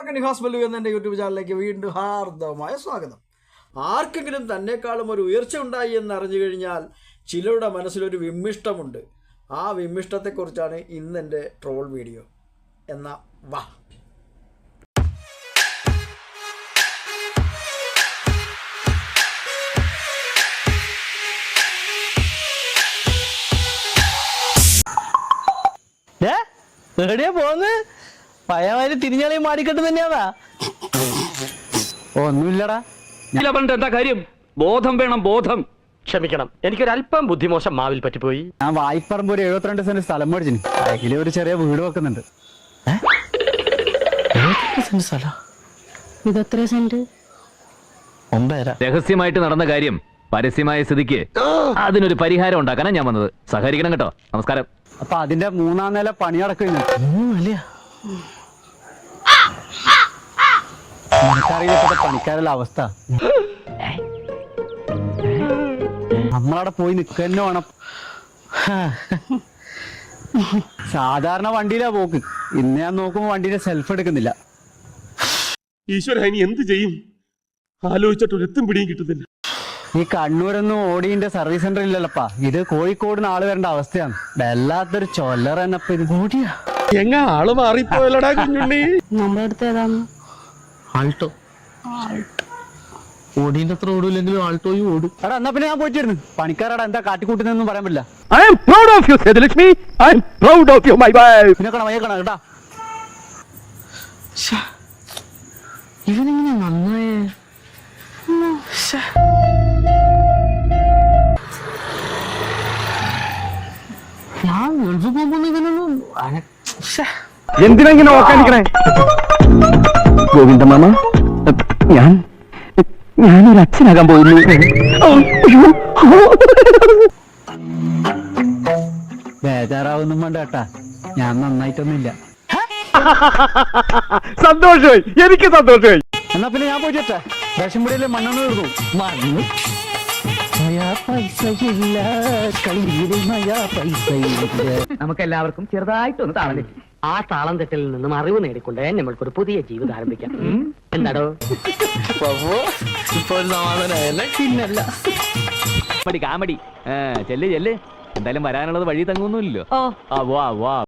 നിഹാസ് ബല്ലു എന്ന യൂട്യൂബ് ചാനലിലേക്ക് വീണ്ടും ഹാർദവമായ സ്വാഗതം. ആർക്കെങ്കിലും തന്നെക്കാളും ഒരു ഉയർച്ച ഉണ്ടായി എന്നറിഞ്ഞു കഴിഞ്ഞാൽ ചിലരുടെ മനസ്സിലൊരു വിമ്മിഷ്ടമുണ്ട്. ആ വിമ്മിഷ്ടത്തെക്കുറിച്ചാണ് ഇന്ന് എൻ്റെ ട്രോൾ വീഡിയോ. എന്നാ വാ. എവിടെയാ പോന്ന്? പയ്യമാര് തിരിഞ്ഞളി മാടിക്കെട്ട് തന്നെയാതാ. ഒന്നുമില്ലടാ. എന്താ കാര്യം? ബോധം വേണം, ബോധം. ക്ഷമിക്കണം, എനിക്കൊരല്പം ബുദ്ധിമോശം മാവിൽ പറ്റിപ്പോയി. ഞാൻ വായ്പറമ്പ് ഒരു 72 സെന്റ് സ്ഥലം മേടിച്ചു. അതില് ഒരു ചെറിയ വീട് വെക്കുന്നുണ്ട്. ഇതെത്ര സെന്റ്? 9.5. രഹസ്യമായിട്ട് നടന്ന കാര്യം പരസ്യമായ സ്ഥിതിക്ക് അതിനൊരു പരിഹാരം ഉണ്ടാക്കാനാണ് ഞാൻ വന്നത്. സഹകരിക്കണം കേട്ടോ. നമസ്കാരം. അപ്പൊ അതിന്റെ 3ാം നില പണി നടക്കുന്നു. എനിക്കറിയില്ല പണിക്കാരുടെ അവസ്ഥ. നമ്മളവിടെ പോയി നിൽക്കന്നെ വേണം. സാധാരണ വണ്ടിയിലാ പോക്ക്. ഇന്ന് ഞാൻ നോക്കുമ്പോ വണ്ടിയുടെ സെൽഫ് എടുക്കുന്നില്ല. ഈശ്വര, ഇനി എന്ത് ചെയ്യും? ആലോചിച്ചിട്ട് ഒരെത്തും പിടിയും കിട്ടുന്നില്ല. ഈ കണ്ണൂരൊന്നും ഓടിന്റെ സർവീസ് സെന്റർ ഇല്ലല്ലപ്പാ. ഇത് കോഴിക്കോട് നാള് വരേണ്ട അവസ്ഥയാണ്. വല്ലാത്തൊരു ചൊല്ലർ എന്നപ്പ ഇത് ഓടിയാ. എങ്ങ ആള് മാറിപ്പോയല്ലടാ കുഞ്ഞുണ്ണി. നമ്മുടെ അടുത്ത് ഏതാണ്? ആൾട്ടോ. ഓടീന്റെ അത്ര ഓടൂല്ലെങ്കിലും ആൾട്ടോയും ഓടും. എടാ എന്നാ പിന്നെ ഞാൻ പോയിട്ടിരുന്നു. പണിക്കാരടാ എന്താ കാട്ടിക്കൂട്ടുന്നൊന്നും പറയാൻ പറ്റില്ല. I am proud of you, Sethilakshmi. I am proud of you, my wife. പിന്നെ വയ്യക്കണം കേട്ടാ. ഇവനെങ്ങനെ നന്നായേ? ഞാൻ ഗൾഫ് പോകുമ്പോ ഇവനൊന്നും എന്തിനാ ഇങ്ങനെ ഓക്കാനിക്കണേ? ഗോവിന്ദ മാമ, ഞാനൊരു അച്ഛനാകാൻ പോയിരുന്നു. ബേജാറാവൊന്നും വേണ്ട കേട്ടാ. ഞാൻ നന്നായിട്ടൊന്നുമില്ല. സന്തോഷമായി, എനിക്ക് സന്തോഷമായി. എന്നാ പിന്നെ ഞാൻ പോയിട്ടെ. റേഷൻപുടിയിലെ മണ്ണെണ്ണ തീർന്നു. മണ്ണ് പൈസയില്ല, നമുക്ക് എല്ലാവർക്കും ചെറുതായിട്ടൊന്ന് താളം തെറ്റി. ആ താളം തെറ്റലിൽ നിന്നും അറിവ് നേടിക്കൊണ്ട് നമ്മൾക്കൊരു പുതിയ ജീവിതം ആരംഭിക്കാം. എന്താടോ ഇപ്പൊ ഒരു സമാധാനമല്ലേ? പിന്നല്ല. കാമഡി ചെല്ല് ചെല്ല്. എന്തായാലും വരാനുള്ളത് വഴി തങ്ങുന്നില്ലല്ലോ. വാ വാ.